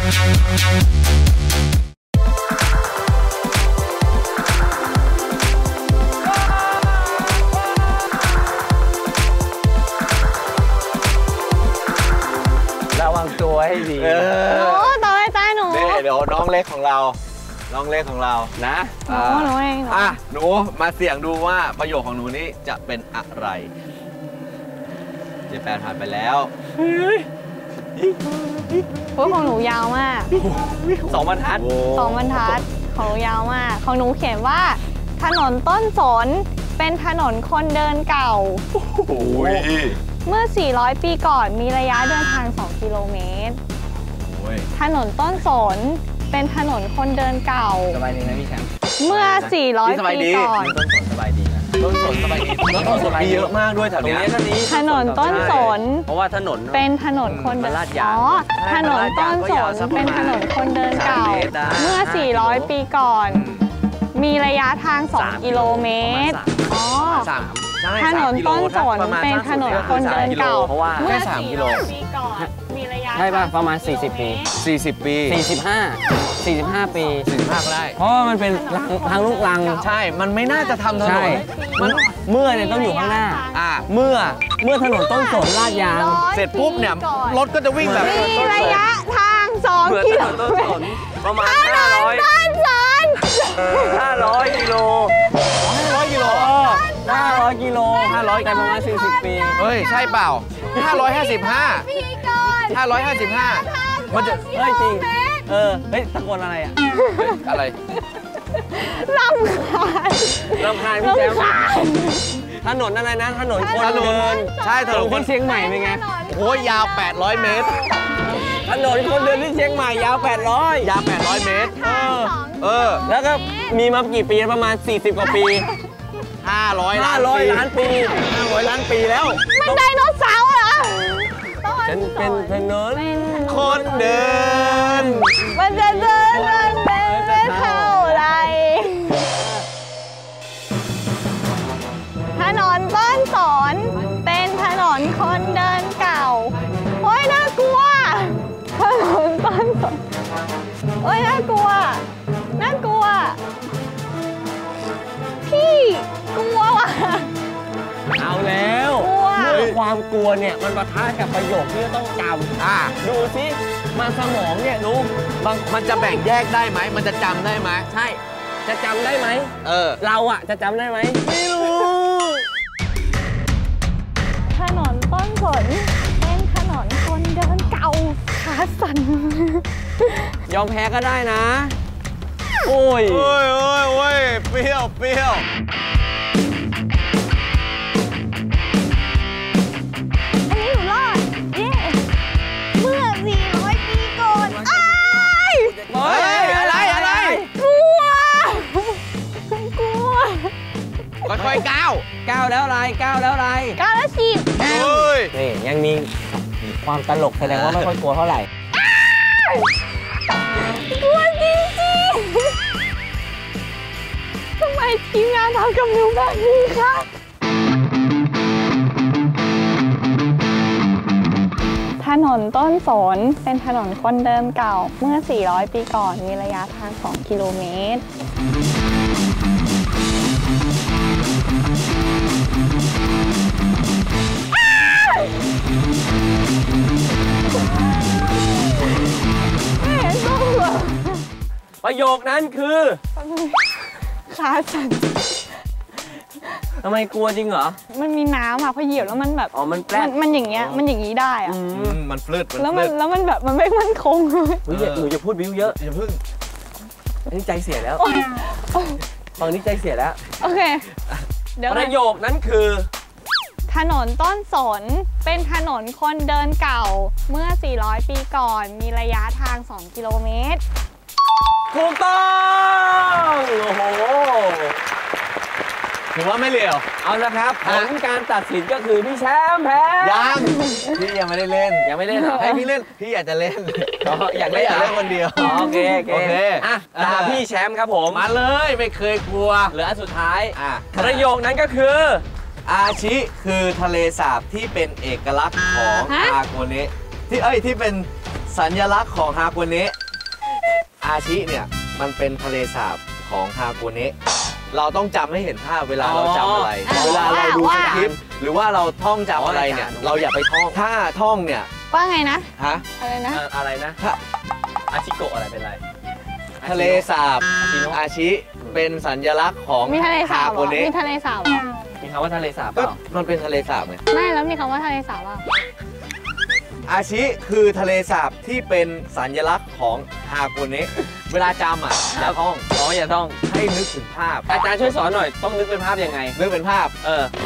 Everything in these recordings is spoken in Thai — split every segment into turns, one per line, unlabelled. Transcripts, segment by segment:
ระวังตัวให้ดี
โอ้ต่อไปตาหนู
เดี๋ยวน้องเล็กของเรานะ
หนูเอง
หนูมาเสี่ยงดูว่าประโยคของหนูนี้จะเป็นอะไรเจแปนผ่านไปแล้ว
พวกของหนูยาวมาก
2 บรรทัด
ของหนูยาวมากของหนูเขียนว่าถนนต้นสนเป็นถนนคนเดินเก่าเมื่อ400 ปีก่อนมีระยะเดินทาง2 กิโลเมตรถนนต้นสนเป็นถนนคนเดินเก่า
สบายดีนะพี่แชมป์
เมื่อ400 ปีก่อน
ต้นสนสบายดีนะต้นสนสบายดี
ต้นสนมีเยอะมากด้วยแถวนี้
ถนนต้นสน
เพราะว่าถนน
เป็นถนนคนเดินถนนต้นสนเป็นถนนคนเดินเก่าเมื่อ400 ปีก่อนมีระยะทาง2 กิโลเมตรถนนต้นสนเป็นถนนคนเดินเก่าเมื่อ3 กิโลปีก่อนมีระยะ
ใช่ป่ะประมาณ40 ปี
40 ปี
45 ปี
45ก็ได้
เพราะว่ามันเป็นทางลูกรัง
ใช่มันไม่น่าจะทำถนน
มันเมื่อเนี่ยต้องอยู่ข้างหน้าเมื่อถนนต้นสนลาดยาง
เสร็จปุ๊บเนี่ยรถก็จะวิ่งแบบ
มีระยะทาง2 กิโล
ต้นสนประมาณ500 กิโล500 กิโลกันประมาณ40 ปี
เฮ้ยใช่เปล่า555มันจะ
เฮ้ยจริงเฮ้ยตะโกนอะไร
อะไร
ร
ำคาญพี่แจ๊คถนนอะไรนะถนนคนเดิน
ใช่ถนน
คนเชียงใหม่เป็นไง
โอ้ยยาว800 เมตร
ถนนคนเดินที่เชียงใหม่ยาว
800 เมตร
แล้วก็มีมากี่ปีประมาณ40 กว่าปี
500 ล้านปีแล้ว
มันไดโนเสาร์เหรอ
ฉันเป็นถนน
คนเดิน
มันจะเดินไม่เท่าไรถนนต้นสนเป็นถนนคนเดินเก่าโอ้ยน่ากลัวถนนต้นสนโอ้ยน่ากลัวพี่กลัวว่ะ
เอาแล้วเมื่อความกลัวเนี่ยมันปะทะกับประโยคที่ต้องจำดูสิมันสมองเนี่ยรู้
มันจะแบ่งแยกได้ไหมมันจะจำได้ไหม
ใช่จะจำได้ไหมเราจะจำได้ไหม
ไม่รู้
ถนนต้นสนเป็นถนนคนเดินเก่าขาสั่น
ยอมแพ้ก็ได้นะโอ้ย
เปรี้ยว
อันนี้หนูรอดเมื่อ400 ปีก่อน
อะไร
กลัว
ค่อยๆก้าว
แล้วอะไรก้าวแล้ว
ฉีด
นี่ยังมีความตลกแสดงว่าไม่ค่อยกลัวเท่าไหร่
กลัวจริงทำไมทีมงานทำกับหนูแบบนี้คะถนนต้นสนเป็นถนนคนเดินเก่าเมื่อ400 ปีก่อนมีระยะทาง2 กิโลเมตร
ประโยคนั้นคือ
ขาสั่น
ทำไมกลัวจริงเหรอ
มันมีน้ำพอเหยียบแล้วมันแบบ
มันแปลก
มันอย่างเงี้ยมันอย่างนี้ได้
มันฟลืด
แล้วมันแบบมันไม่มั่นคง
หนูจะพูดบิ้วเยอะ
อย่าพึ่ง
นี่ใจเสียแล้วตอนนี้ใจเสียแล้ว
โอเคเดี๋ยว
ประโยคนั้นคือ
ถนนต้นสนเป็นถนนคนเดินเก่าเมื่อ400 ปีก่อนมีระยะทาง2 กิโลเมตร
ถูกต้องโอ้โห
ถือว่าไม่เหลว
เอาละครับผลการตัดสินก็คือพี่แชมป์แพ้
พี่ยังไม่ได้เล่นให้พี่เล่นพี่อยากจะเล่นอยากเล่นคนเดียว
โอเคตาพี่แชมป์ครับผม
มาเลยไม่เคยกลัว
เหลืออันสุดท้ายประโยคนั้นก็คือ
อาชิคือทะเลสาบที่เป็นเอกลักษณ์ของอาโกเนะที่เป็นสัญลักษณ์ของฮาโกเนะอาชิเนี่ยมันเป็นทะเลสาบของฮาโกเนะเราต้องจำให้เห็นภาพเวลาเราจำอะไรเวลาเราดูสคริปต์หรือว่าเราท่องจำอะไรเนี่ยเราอย่าไปท่องถ้าท่องเนี่ย
ว่าไงนะ
ฮะ
อะไรนะ
อะไรนะอาชิโกะอะไรเป็นไร
ทะเลสาบอาชิเป็นสัญลักษณ์ของ
มีทะเลสา
ฮา
บเห
โก
รอ
เนะ
มีทะเลสาบเหรอ
มีคำว่าทะเลสาบเป
ก็
ล่า
มันเป็นทะเลสาบไง
ไม่แล้วมีคำว่าทะเลสาบเปล่า
อาชิคือทะเลสาบที่เป็นสัญลักษณ์ของฮาโกเนะเวลาจำอ่ะอย่าท่อง
อย่าต้อง
ให้นึกถึงภาพ
อาจารย์ช่วยสอนหน่อยต้องนึกเป็นภาพยังไง
นึกเป็นภาพ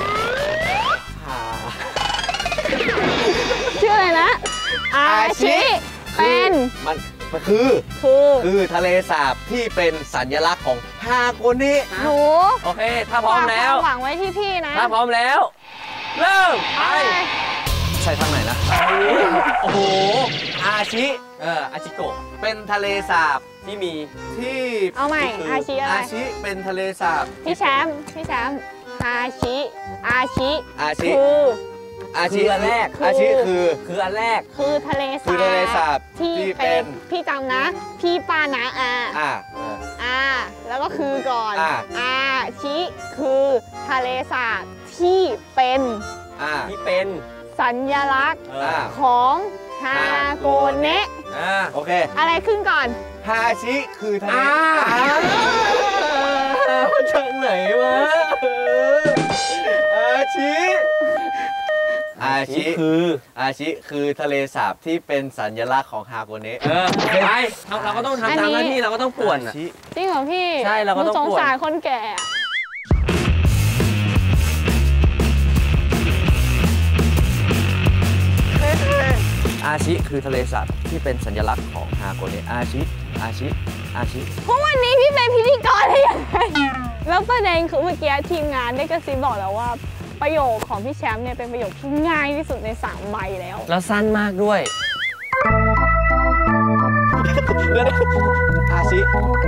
ชื่ออะไรนะ อาชิเป็น
มันคือทะเลสาบที่เป็นสัญลักษณ์ของฮาโกเนะ
หนู
โอเค ถ้าพร้อมแล้ว
ฝากความหวังไว้ที่พี่นะ
ถ้าพร้อมแล้ว เริ่มไป
ใช่ทางไหนนะ
โอ้โห
อาชิ
อาชิโกะ
เป็นทะเลสาบ
ที่มี
ที่
เอาใหม่
คื
อาชิอะไร
อาชิเป็นทะเลสาบ
พี่แชมป์อาชิ
อาชิ
คือ
อาชิ
คืออันแรก
อาชิคือ
คืออันแรก
คือทะเลสาบ
คือทะเลสาบ
ที่
ที่เป็
เป็น
น
พี่จำนะ พี่ปานะ
อ่า
แล้วก็คือก่อน
อ่า
ชิคือทะเลสาบที่เป็น
ที่เป็น
สัญลักษณ์
อ่า
ของฮาโกเนะ
โอเค
อะไรขึ้นก่อน
ฮาชิคือทะเล
จากไหนวะ
อาชิ
คือ
อาชิคือทะเลสาบที่เป็นสัญลักษณ์ของฮาโกเนะ
ไปเราก็ต้องทำตามหน้าที่เราก็ต้องป่วน
อาชิ
จริงเหรอพี่
ใช่เราก็ต้อง
หนูสง
ป่วน
สารคนแก่อะ
อาชิคือทะเลสาบที่เป็นสัญลักษณ์ของฮาโกเนะอาชิ
เพราะวันนี้พี่เป็นพิธีกรได้ยังไงแล้วประเด็นคือเมื่อกี้ทีมงานได้กระซิบบอกแล้วว่าประโยคของพี่แชมป์เนี่ยเป็นประโยคที่ง่ายที่สุดใน3ใบแล้ว
แล้วสั้นมากด้วย
อาชิ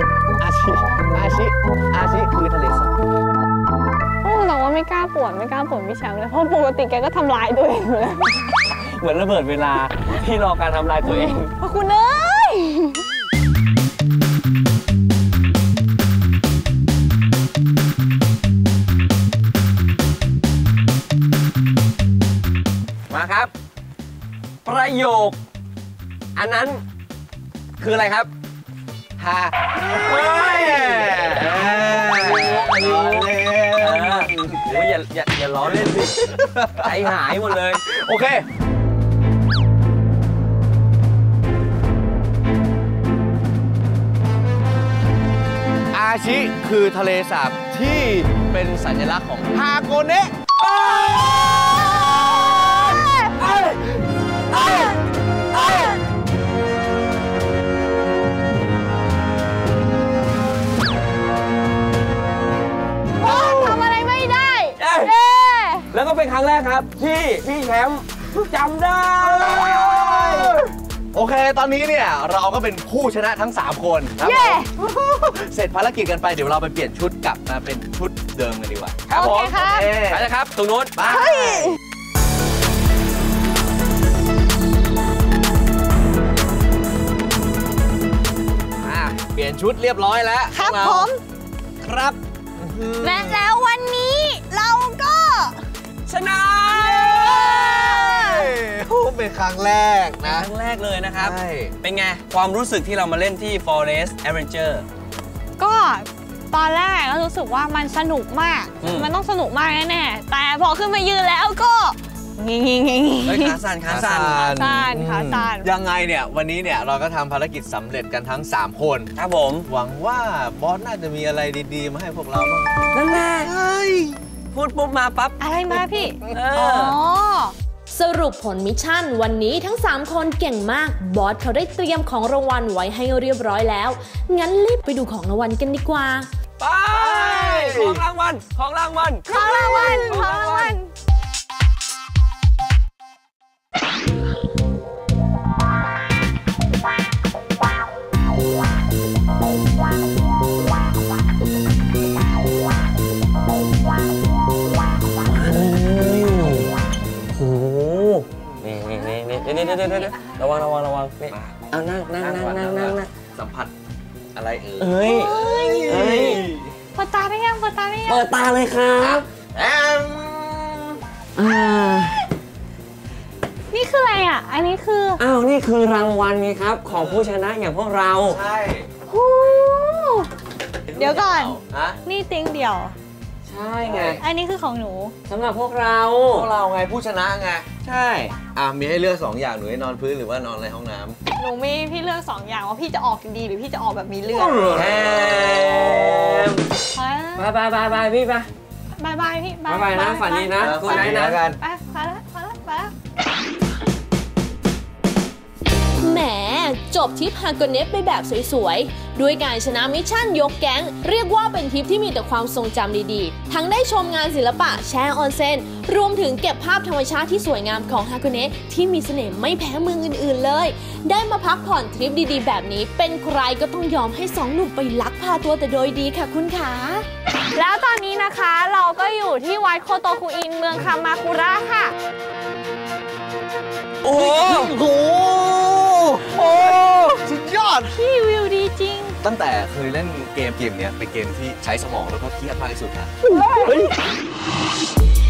คือทะเลสาบ
แต่ว่าไม่กล้าป่วนพี่แชมป์เลยเพราะปกติแกก็ทำลายตัวเองอยู่แล้ว
เหมือนระเบิดเวลาที่รอการทำลายตัวเอง
พระคุณเอ้ย
มาครับ ประโยค อันนั้นคืออะไรครับ
ฮาเฮ้ย
โอ้ยอย่าล้อเล่นสิใจหายหมดเลย
โอเคอาชิคือทะเลสาบที่เป็นสัญลักษณ์ของฮาโกเนะ
ทำอะไรไม่ได้
แล้วก็เป็นครั้งแรกครับที่พี่แชมป์จำได้
โอเค ตอนนี้เนี่ยเราก็เป็นผู้ชนะทั้ง 3 คนครับเสร็จภารกิจกันไปเดี๋ยวเราไปเปลี่ยนชุดกลับมาเป็นชุดเดิมกันดีกว่า
ครับผม
โอเคครับ
ไปเลยครับตรงนู้น
ไปเปลี่ยนชุดเรียบร้อยแล้ว
ครับ
เรา
ผม
ครับ
และแล้ววันนี้เราก็
ชนะ
เป็นครั้งแรก
ค
นะ
รั้งแรกเลยนะครับ
ใช่
เป็นไง ความรู้สึกที่เรามาเล่นที่ Forest Adventure
ก็ตอนแรกก็รู้สึกว่ามันสนุกมาก มันต้องสนุกมากแน่ๆแต่พอขึ้นมายืนแล้วก็งี้
เฮ้ยขาสั่น
ขาสั่น
ยังไงเนี่ยวันนี้เนี่ยเราก็ทำภารกิจสำเร็จกันทั้ง 3 คน
ครับผม
หวังว่าบอสน่าจะมีอะไรดีๆ มาให้พวกเราบ้าง
นั่นแหละพูดปุ๊บมาปั๊บ
อะไรมาพี่
อ๋อ
สรุปผลมิชชั่นวันนี้ทั้ง 3 คนเก่งมาก บอสเขาได้เตรียมของรางวัลไว้ให้เรียบร้อยแล้ว งั้นรีบไปดูของรางวัลกันดีกว่า
ไปของรางวัล โอ้โหนี่นะระวังนี่เอานั่ง
สัมผัสอะไร
เอ้ย
เปิดตาได้ยัง
เปิดตาเลยครับ
นี่คืออะไรอ่ะอันนี้คือ
อ้าวนี่คือรางวัลไงครับของผู้ชนะอย่างพวกเรา
ใช่
เดี๋ยวก่อน
ฮะ
นี่ติ้งเดียว
ใช่ไง
อันนี้คือของหนู
สำหรับพวกเรา
ไงผู้ชนะไง
ใช่
มีให้เลือก2อย่างหนูให้นอนพื้นหรือว่านอนในห้องน้ำ
หนูมีพี่เลือก2อย่างว่าพี่จะออกดีหรือพี่จะออกแบบมีเลือด
บายพี่ไป
บายพี่
บายนะฝันดีนะ
คุณไหนนะกัน
ไปแล้ว
แหมจบทริปฮาโกเนะไปแบบสวยๆ ด้วยการชนะมิชชั่นยกแก๊งเรียกว่าเป็นทริปที่มีแต่ความทรงจำดีๆ ทั้งได้ชมงานศิลปะแช่ออนเซ็นรวมถึงเก็บภาพธรรมชาติที่สวยงามของฮาโกเนะที่มีเสน่ห์ไม่แพ้เมืองอื่นๆเลยได้มาพักผ่อนทริปดีๆแบบนี้เป็นใครก็ต้องยอมให้2 หนุ่มไปลักพาตัวแต่โดยดีค่ะคุณขา
แล้วตอนนี้นะคะเราก็อยู่ที่วัดโคโตคุอินเมืองคามาคุระค่ะ
โอ้โหสุดยอด
พี่วิวดีจริง
ตั้งแต่เคยเล่นเกมเนี้ยเป็นเกมที่ใช้สมองแล้วก็เครียดมากที่สุดนะ